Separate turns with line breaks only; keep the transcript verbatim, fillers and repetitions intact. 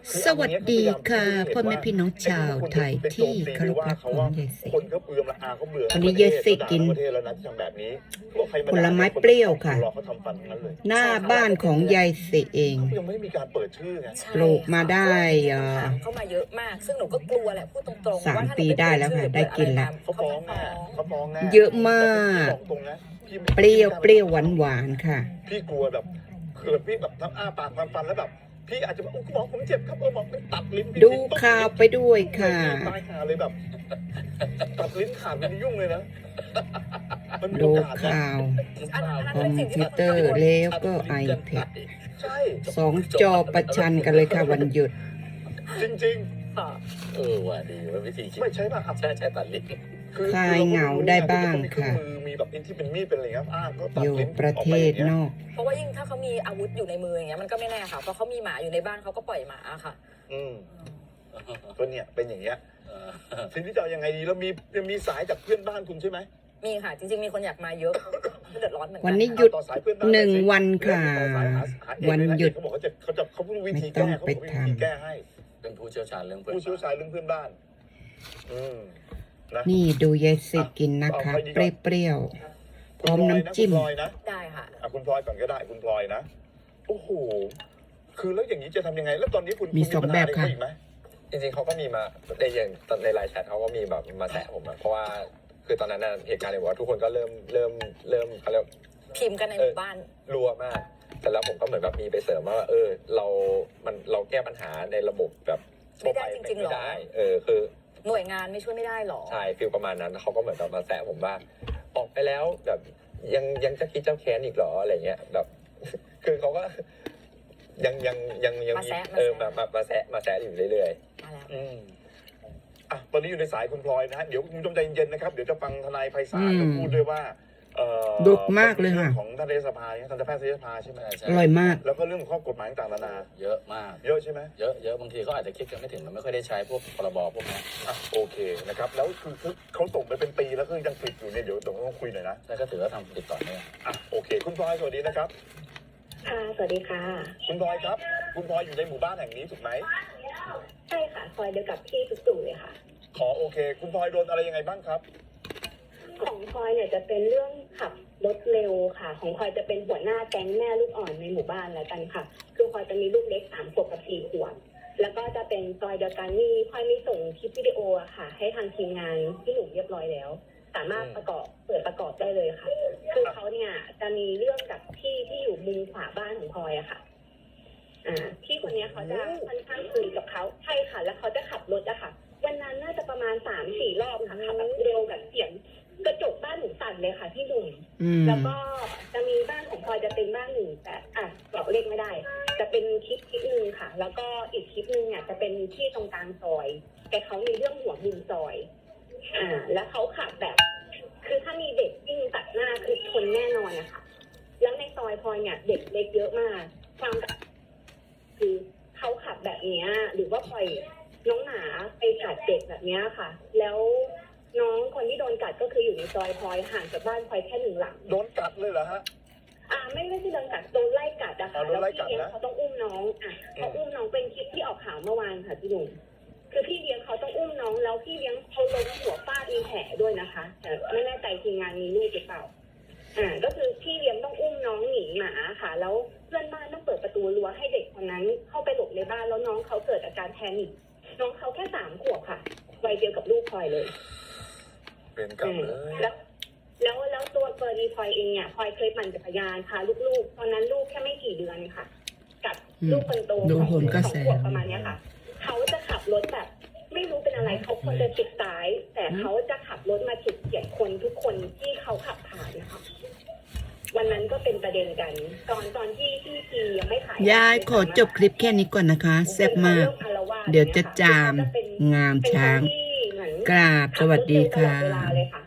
สวัสดีค่ะพ่อแม่พี่น้องชาวไทยที่เคารพรักของยายสิวันนี้ยายสิกินผลไม้เปรี้ยวค่ะหน้าบ้านของยายสิเองปลูกมาได้
เข้ามาเยอะมากซึ่งหนูก็กลัวแหละพูดตรงๆ
สามปีได้แล้วค่ะได้กินแล้วเยอะมากเปรี้ยวเปรี้ยวหวานหวานค่ะ
พี่กลัวแบบเขินพี่แบบทั้งอ้าปากฟันฟันแล้วแบบพี่อาจจะบอกคุณหมอผมเจ็บครับเออบอกตัดลิ้น
ดูข่าวไปด้วยค่ะ
ตายขาเลยแบบตัดลิ้นขาดมันยุ่งเลยนะ
ดูข่าวคอมพิวเตอร์แล้วก็ไอแพดสองจอประชันกันเลยค่ะวันหยุด
จริงๆ
เออว่าดีว่าวิธีคิด
ไม่ใช่ป่ะครับ
ใช่ใช่ตัดลิ้น
คลายเหงาได้บ้างค่ะ
มีแบบที่เป็นมีดเป็นอะไรครับอ้าก็ตัด
อยู่
ลิ้น
ประเทศนอก
เพราะว่ายิ่งถ้าเขามีอาวุธอยู่ในมืออย่างเงี้ยมันก็ไม่แน่ค่ะเพราะเขามีหมาอยู่ในบ้านเขาก็ปล่อยหมาค่ะ
อืมก็เนี่ยเป็นอย่างเงี้ยทีนี้จะเอายังไงดีแล้วมียังมีสายจากเพื่อนบ้านคุณใช่ไหม
มีค่ะจริงๆมีคนอยากมาเยอะเดือดร้อนเหมือนกัน
วันนี้หยุดหนึ่งวันค่ะวันหยุด
เขาบอกเขาจะเขาจะเขาพูดวิธีแก้เขาบอกวิธีแก้ให้
เป็นผู้เชี่ยวชาญเรื่องเพื่อน
ผู้เชี่ยวชาญเรื่องเพื่อนบ้านอืม
นี่ดูยายสิกินนะคะเปรี้ยวๆพร้อมน้ำจิ้ม
ได้ค่ะ
คุณพลอยก่อนก็ได้คุณพลอยนะโอ้โหคือแล้วอย่างนี้จะทำยังไงแล้วตอนนี้คุณ
มีสองแบบค่ะ
จริงๆเขาก็มีมาในอย่างในไลน์แชทเขาก็มีแบบมาแซะผมเพราะว่าคือตอนนั้นเหตุการณ์เนี่ยว่าทุกคนก็เริ่มเริ่มเริ่มเขาเรียก
พิมพ์กันในหมู่บ้าน
รัวมากแต่แล้วผมก็เหมือนแบบมีไปเสริมว่าเออเรามันเราแก้ปัญหาในระบบแบบ
ไม่ได้จริงๆหรอ
เออคือ
หน่วยงานไม่ช่วยไม่ได้หรอ
ใช่ฟีลประมาณนั้นเขาก็เหมือนแบบมาแซะผมว่าออกไปแล้วแบบยังยังจะคิดเจ้าแค้นอีกหรออะไรเงี้ยแบบคือเขาก็ยังยังยังยัง
มี
เออมามามาแซะมาแซะอยู่เรื่อย
ๆอืมอ่ะตอนนี้อยู่ในสายคุณพลอยนะฮะเดี๋ยวคุณผู้ชมใจเย็นๆนะครับเดี๋ยวจะฟังทนายไพศาลพูดด้วยว่า
ดุมากเลยค่ะ
ของท่านรัฐสภาเนี่ยท่านแพทยสภาใช่ไหม
อร่อยมาก
แล้วก็เรื่องของข้อกฎหมายต่างๆนานา
เยอะมาก
เยอะใช่ไหม
เยอะเยอะบางทีเขาอาจจะคิดกันไม่ถึงมันไม่ค่อยได้ใช้พวกพรบพวกนี้
อ่ะโอเคนะครับแล้วคือเขาส่งไปเป็นปีแล้วก็ยังปิดอยู่เนี่ยเดี๋ยวต้องคุยหน่อยนะ
ใช่ก็ถือว่าทำติดต่อเนี่ย
อ่ะโอเคคุณพลอยสวัสดีนะครับ
ค่ะสวัสดีค่ะ
คุณพลอยครับคุณพลอยอยู่ในหมู่บ้านแห่งนี้ถูกไหม
ใช่ค่ะซอยเดียวกับพี่ตุ๊กตู่เลยค่ะ
ขอโอเคคุณพลอยโดนอะไรยังไงบ้างครับ
ของพลอยเนี่ยจะเป็นเรื่องขับรถเร็วค่ะของพลอยจะเป็นหัวหน้าแก๊งแม่ลูกอ่อนในหมู่บ้านแล้วกันค่ะคือพลอยจะมีลูกเล็กสามขวบกับสี่ขวบแล้วก็จะเป็นซอยเดียวกันนี่พลอยมีส่งคลิปวิดีโออะค่ะให้ทางทีมงานที่หนุ่มเรียบร้อยแล้วสามารถประกอบเปิดประกอบได้เลยค่ะคือเขาเนี่ยจะมีเรื่องกับพี่ที่อยู่มุมขวาบ้านของพลอยอะค่ะอ่าพี่คนนี้เขาจะค่อนข้างคุยกับเขาใช่ค่ะแล้วเขาจะขับรถอะค่ะวันนั้นน่าจะประมาณสามสี่รอบค่ะขับแบบเร็วแบบเสียงกระจกบ้านหนูสั่นเลยค่ะพี่หนุ่มแล้วก็จะมีบ้านของพลอยจะเป็นบ้านหนึ่งแต่อ่ะบอกเลขไม่ได้จะเป็นคลิปคลิปหนึ่งค่ะแล้วก็อีกคลิปหนึ่งเนี่ยจะเป็นที่ตรงกลางซอยแต่เขามีเรื่องหัวมุมซอยอ่าแล้วเขาขับแบบคือถ้ามีเด็กวิ่งตัดหน้าคือชนแน่นอนนะคะแล้วในซอยพลอยเนี่ยเด็กเล็กเยอะมากความคือเขาขับแบบนี้หรือว่าปล่อยน้องหมาไปกัดเด็กแบบนี้ค่ะแล้วน้องคนที่โดนกัดก็คืออยู่ในซอยพลอยห่างจากบ้านพลอยแค่หนึ่งหลัง
โดนกัดเลยเหรอฮะ
อ่าไม่ไม่ใช่โดนกัดโดนไล่กัดนะคะแล้วพี่เลี้ยงเขาต้องอุ้มน้องอ่ะเขาอุ้มน้องเป็นคลิปที่ออกข่าวเมื่อวานค่ะพี่หนุ่มคือพี่เลี้ยงเขาต้องอุ้มน้องแล้วพี่เลี้ยงเขาล้มหัวฟาดมีแผลด้วยนะคะแต่ไม่แน่ใจทีมงานมีลูกหรือเปล่าอ่าก็คือพี่เลี้ยงต้องอุ้มน้องหนีหมาค่ะแล้วเพื่อนบ้านต้องเปิดประตูรั้วให้เด็กคนนั้นเข้าไปหลบในบ้านแล้วน้องเขาเกิดอาการแพนิคน้องเขาแค่สามขวบค่ะวัยเดียวกับลูกพลอยเลย
เป็นกับเลย
แล้วแล้วแล้วตัวเฟอร์นีพลอยเองเนี่ยพลอยเคยปั่นจักรยานพาลูกๆตอนนั้นลูกแค่ไม่กี่เดือนค่ะกับลูกคนโต
ของสอง
ขวบประมาณนี้ค่ะเขาจะขับรถแบบไม่รู้เป็นอะไรเขาควรจะชิดซ้ายแต่เขาจะขับรถมาฉิดเฉียดคนทุกคนที่เขาขับผ่านนะคะวันนั้นก็เป็นประเด็นกันตอนตอนที่ที่ทียังไม่ถ่าย
ยายขอจบคลิปแค่นี้ก่อนนะคะแซ่บมากเดี๋ยวจะจามงามช้างกราบสวัสดีค่ะ